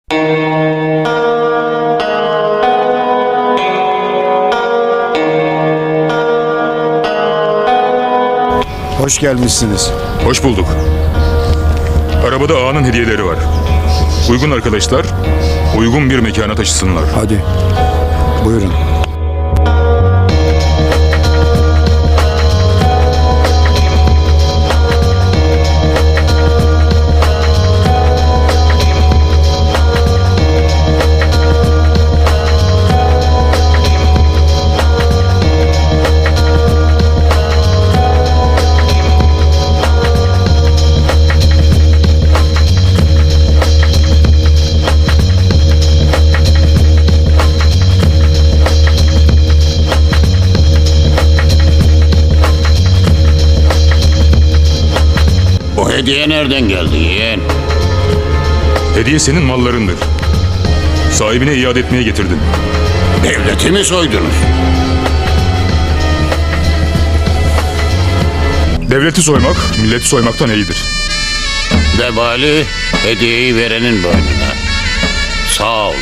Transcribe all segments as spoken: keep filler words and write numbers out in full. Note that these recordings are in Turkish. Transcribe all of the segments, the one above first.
Hoş gelmişsiniz. Hoş bulduk. Arabada ağanın hediyeleri var. Uygun arkadaşlar, uygun bir mekana taşısınlar. Hadi. Buyurun. O hediye nereden geldi yeğen? Hediye senin mallarındır. Sahibine iade etmeye getirdim. Devleti mi soydunuz? Devleti soymak, milleti soymaktan iyidir. Vebali hediyeyi verenin boynuna. Sağ olun.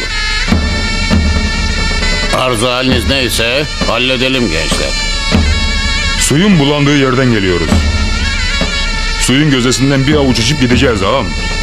Arzu haliniz neyse halledelim gençler. Suyun bulandığı yerden geliyoruz. Suyun gözdesinden bir avuç içip gideceğiz ağam.